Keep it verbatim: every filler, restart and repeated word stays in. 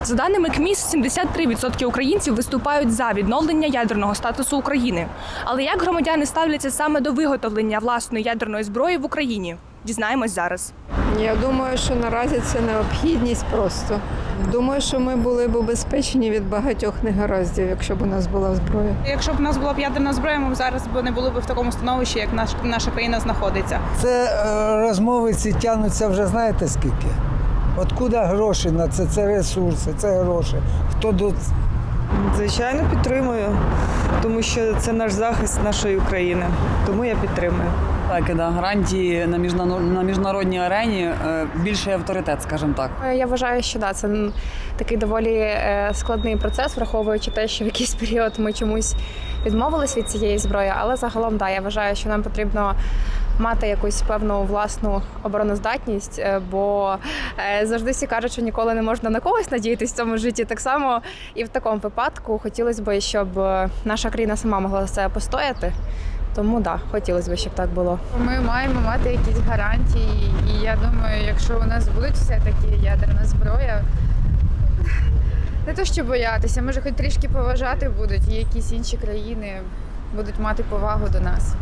За даними КМІС, сімдесят три відсотки українців виступають за відновлення ядерного статусу України. Але як громадяни ставляться саме до виготовлення власної ядерної зброї в Україні? Дізнаємось зараз. Я думаю, що наразі це необхідність просто. Думаю, що ми були б убезпечені від багатьох негараздів, якщо б у нас була зброя. Якщо б у нас була б ядерна зброя, ми б зараз б не були б в такому становищі, як наш, наша країна знаходиться. Це е, розмови ці тягнуться вже знаєте скільки? Откуда гроші на це? Це ресурси, це гроші. Хто до... Звичайно, підтримую, тому що це наш захист нашої України. Тому я підтримую. Так, да, гарантії на міжнародній, на міжнародній арені е, більший авторитет, скажімо так. Я вважаю, що да, це такий доволі е, складний процес, враховуючи те, що в якийсь період ми чомусь відмовились від цієї зброї, але загалом да, я вважаю, що нам потрібно мати якусь певну власну обороноздатність, е, бо е, завжди всі кажуть, що ніколи не можна на когось надіятися в цьому житті. Так само і в такому випадку хотілося б, щоб наша країна сама могла за це постояти. Тому так, да, хотілося б, щоб так було. Ми маємо мати якісь гарантії, і я думаю, якщо у нас будуть все-таки ядерна зброя, не то що боятися, може хоч трішки поважати будуть, і якісь інші країни будуть мати повагу до нас.